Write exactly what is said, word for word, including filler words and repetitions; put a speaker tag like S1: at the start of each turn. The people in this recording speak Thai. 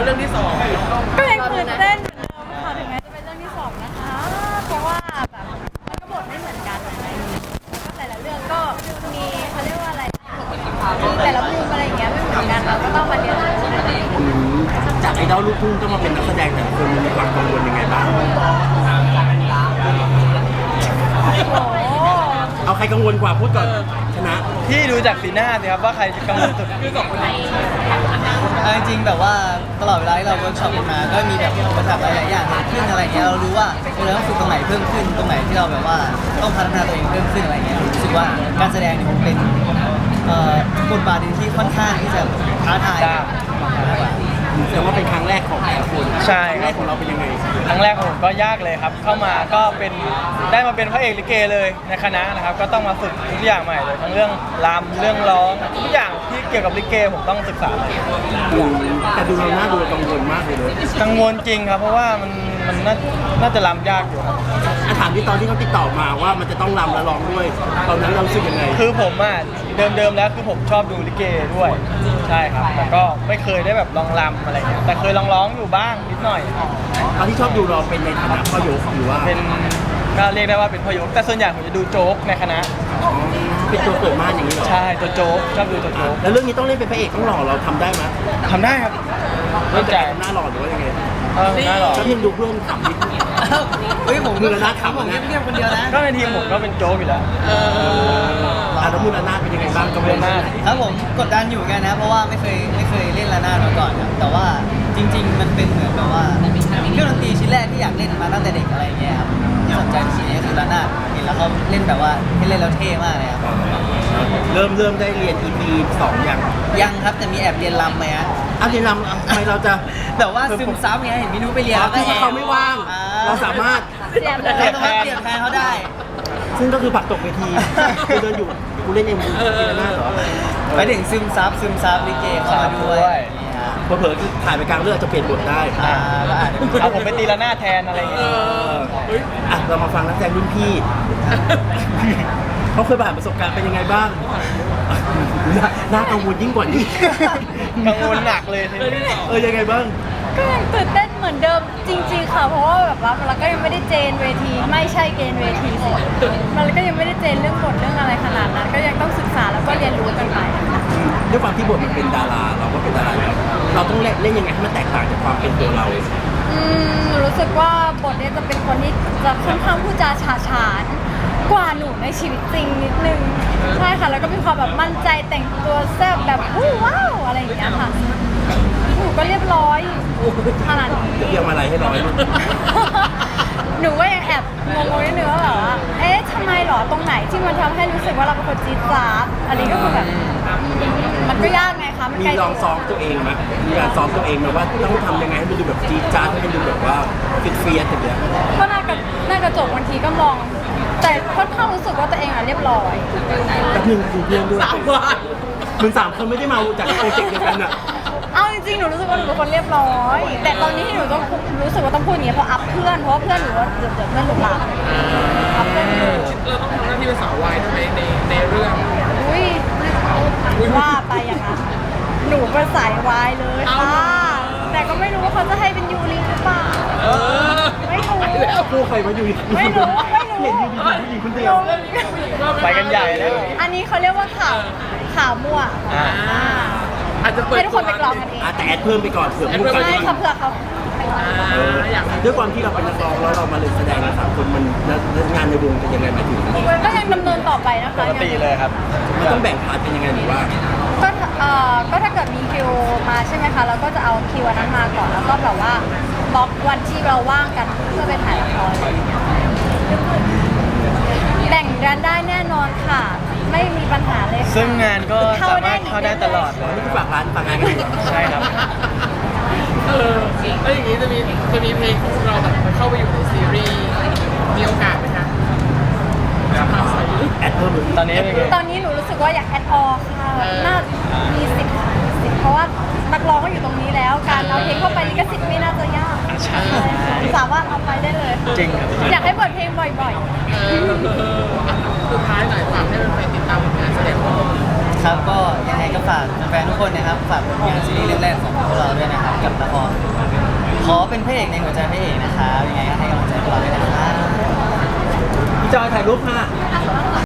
S1: เรื่องที่สอง
S2: ก็ยังตื่นเต้นเหมือนเดิมค่ะถึงแม้จะเป็นเรื่องที่สองนะคะเพราะว่าแบบมันก็บทไม่เหมือนกันอะไรอย่างเงี้ยแล้วก็แต่ละเรื่องก็มีเขาเรียกว่าอะไรแต่ละมุมอะไรอย่างเงี้ยไม่เหมือนกันเราก็ต้องมาเรียนรู้กันเอง
S3: จากไอดอลลูกทุ่งต้องมาเป็นนักแสดงแต่คนมีความกังวลยังไงบ้างเอาใครกังวลกว่าพูดก่อนชนะ
S4: พี่ดูจากสีหน้าสิครับว่าใครจะกังวลสุดคือสองคนนี้จริงๆแบบว่าตลอดเวลาที่เราเวิร์กช็อปกันมาก็มีแบบอุปสรรคหลายๆอย่างเกิดขึ้นอะไรเงี้ยเรารู้ว่าเราต้องฝึกตรงไหนเพิ่มขึ้นตรงไหนที่เราแบบว่าต้องพัฒนาตัวเองเพิ่มขึ้นอะไรเงี้ยรู้สึกว่าการแสดงเนี่ยมันเป็นบทบาทที่ค่อนข้างที่จะท้าทาย
S3: แสดงว่าเป็นครั้งแรกของแต่ละคน
S4: ใช่
S3: ครั้งแรกของเราเป็นยังไง
S4: ครั้งแรกของผมก็ยากเลยครับเข้ามาก็เป็นได้มาเป็นพระเอกลิเกเลยในคณะนะครับก็ต้องมาฝึกทุกอย่างใหม่เลยทั้งเรื่องรำเรื่องร้องทุกอย่างที่เกี่ยวกับลิเกผมต้องศึกษาใหม่
S3: แต่ดูเราหน้าดูกังวลมากเลยเลย
S4: กังวลจริงครับเพราะว่ามันมันน่าน่าจะรำยากอยู่ครับ
S3: ถามที่ตอนที่เขาติดต่อมาว่ามันจะต้องรำและร้องด้วยตอนนั้นเรารู้สึกยังไง
S4: คือผมอ่ะเดิมๆแล้วคือผมชอบดูลิเกด้วยใช่ครับแต่ก็ไม่เคยได้แบบลองรำอะไรเงี้ยแต่เคยลองร้องอยู่บ้างนิดหน่อย
S3: ตอนที่ชอบดูเราเป็นในฐานะพ่อยกหรือว่า
S4: เป็นก็เรียกได้ว่าเป็นพ่อยกแต่ส่วนใหญ่ผมจะดูโจ๊กในคณะ
S3: เป็นตัวเปิดม่านอย่างนี้เหรอ
S4: ใช่ตัวโจ๊กชอบดูตัวโจ๊ก
S3: แล้วเรื่องนี้ต้องเล่นเป็นพระเอกต้องหล่อเราทำได้ไหม
S4: ทำได้ครับ
S3: เริ่มจากหน้าหล่อหรือว่ายังไง
S4: เออหน้าหล่อ
S3: ก็ยังดูเพื่อนขำนิด
S4: เฮ้ยผม
S3: มือละหน้าขำ
S4: ผม
S3: นะ
S4: เงียบๆคนเดียวนะก็ในทีมผมก็เป็นโจ๊กอยู่แล้ว
S3: เออแล้วมือละหน้าเป็นยังไงบ้างกั
S4: บมือละหน้าครับผมกดดันอยู่กันนะเพราะว่าไม่เคยไม่เคยเล่นละหน้ามาก่อนครับแต่ว่าจริงๆมันเป็นเหมือนแบบว่าเครื่องดนตรีชิ้นแรกที่อยากเล่นมาตั้งแต่เด็กอะไรอย่างเงี้ยครับที่สนใจชิ้นนี้คือละหน้าเห็นแล้วเขาเล่นแบบว่าเล่นแล้วเท่มากเลยครับ
S3: เริ่มเริ่มได้เรียน อี พี สองยัง
S4: ยังครับแต่มีแอบเรียนรำไหมฮะ
S3: เอาเรียนรำทำไมเราจะ
S4: แบบว่าซึมซับไงเห็นพี่นุ้ยไปเรียนแล้ว
S3: ก็เขาไม่ว่างเราสามารถ
S4: เราสามารถเปลี่ยนแฟนเขาได้
S3: ซึ่งก็คือผักตกเวทีกูเดินอยู่กูเล่นเอ็มวีกินหน้าเหรอ
S4: ไปถึงซึมซับซึมซับลิเกเข้ามาด้วย
S3: เผลอๆถ่ายไปกลางเรื่องจะเปลี่ยนบทได้
S4: อ่าก็อาจจะเอาผมไปตีละหน้าแทนอะไรอย่างเงี้ย
S3: อ่ะเรามาฟังนักแสดงรุ่นพี่เขาเคยผ่านประสบการณ์เป็นยังไงบ้างน่ากังวลยิ่งกว่านี้
S4: กังวลหนักเลย
S3: เออยังไงบ้าง
S2: ก็ยังตื่นเต้นเหมือนเดิมจริงๆค่ะเพราะว่าแบบว่าเราก็ยังไม่ได้เจนเวทีไม่ใช่เกณฑ์เวทีสิมันก็ยังไม่ได้เจนเรื่องบทเรื่องอะไรขนาดนั้นก็ยังต้องศึกษาแล้วก็เรียนรู้กันไป
S3: ด้วยความที่บทมันเป็นดาราเราก็เป็นดาราแล้วเราต้องเล่นเล่นยังไงให้มันแตกต่างจากความเป็นตัวเรา
S2: อืมรู้สึกว่าบทนี้จะเป็นคนที่จะค่อนข้างพูดจาฉาฉานกว่าหนูในชีวิตจริงนิดนึงใช่ค่ะแล้วก็มีความแบบมั่นใจแต่งตัวแซ่บแบบว้าวอะไรอย่างเงี้ยค่ะหนูก็เรียบร้อยขนาดนี้
S3: เรียกมาอะไรให้ร้อย
S2: หนูก็ยังแอบงงๆนิดนึงว่าแบบว่าเอ๊ะทำไมหรอตรงไหนที่มันทำให้รู้สึกว่าเราเป็นคนจี๊ดจ๊าดอันนี้ก็คือแบบมันก็ยากไงคะมัน
S3: มีลองซ้อมตัวเองไหมมีการซ้อมตัวเองไหมว่าต้องทำยังไงให้มันดูแบบจี๊ดจ๊าดให้มันดูแบบว่าฟิตเฟียสอย่างเงี้ย
S2: ก็น่ากระน่ากระจกบางทีก็มองแต่ค่อนข้างรู้สึกว่าตัวเองอ่ะเรียบร้อย
S3: แต่หนึ่งดูเพื่อนด้วยสามวันมึงสามคนไม่ได้มาจากโปรเจกต์เดียวกันอะ
S2: เอาจริงๆหนูรู้สึกว่าหนูเป็นคนเรียบร้อยแต่ตอนนี้ที่หนูต้องรู้สึกว่าต้องพูดอย่างนี้เพราะอัพเพื่อนเพราะว่าเพื่อนหนูว่าเดี๋ยวเดี๋ยวเพื่อนหลุดหลับอัพเพื่อนอยู่
S1: เราต้องทำหน้าที่เป็นสาววายทำไมในในเรื่อง
S2: อุ้ยว่าไปอย่างนั้นหนูเป็นสายวายเลยค่ะแต่ก็ไม่รู้ว่าเขาจะให้เป็นยูริหรือเปล่าไม่รู้
S3: คู่ใครมาอยู่
S2: ไม่รู้ไม่รู้
S3: เห็นยูริผู้หญิงคนเดียว
S4: ไปกันใหญ่แล้ว
S2: อันนี้เขาเรียกว่าข่าวข่าวมั่ว
S1: อาจจะเปิด
S2: ให้ทุกคนไปกรองกันเอง
S3: แต่แอดเพิ่มไปก่อนเผื่อผู้
S2: ใช่ค่ะเผื่อเขา
S3: ด้วยความที่เราเป็นนักร้องแล้วเรามาเล่นแสดงนะสามคนมันงานในวงเป็นยังไงมาถึง
S2: ก็ยังดำเนินต่อไปนะคะ
S4: ปกติเลยครับ
S3: มันต้องแบ่งพาร์ทเป็นยังไงหรือว่า
S2: ก็เอ่อก็ถ้าเกิดมีคิวมาใช่ไหมคะเราก็จะเอาคิวนั้นมาก่อนแล้วก็แบบว่าบล็อกวันที่เราว่างกันเพื่อไปถ่ายละครแบ่งกันได้แน่นอนค่ะไม่มีปัญหาเลย
S4: ซึ่งงานก็สามารถเข้าได้ตลอดเลย
S3: นี่คือฝากร้านฝากงานกัน
S4: ใช่ครับ
S1: เออแล้วอย่างนี้จะมีจะมีเพลงของเราแบบเข้าไปอยู่ในซีรีส์มีโอกาสไหมคะ
S3: แอดเพิ่ม
S4: ตอนนี้
S2: ตอนนี้หนูรู้สึกว่าอยากแอดออค่ะน่ามีสิทธิ์สิทธิ์เพราะว่านักร้องก็อยู่ตรงนี้แล้วการเอาเพลงเข้าไปลิขสิทธิ์ไม่น่าจะยากสามารถเอาไปได้เลย
S4: จริง
S2: อยากให้เปิดเพลงบ่อย
S1: ๆสุดท้ายหน่อยฝากให้แฟนๆติดตามผลงานแสดงของ
S4: ครับก็ยังไงก็ฝากแฟนๆทุกคนนะครับฝากผลงานซีรีส์เรื่องแรกของพวกเราด้วยนะครับกับละครขอเป็นพระเอกในหัวใจพระเอกนะครับยังไงก็ให้กำลังใจพวกเราด้วยนะครับ
S3: พี่จอยถ่ายรูปค่ะ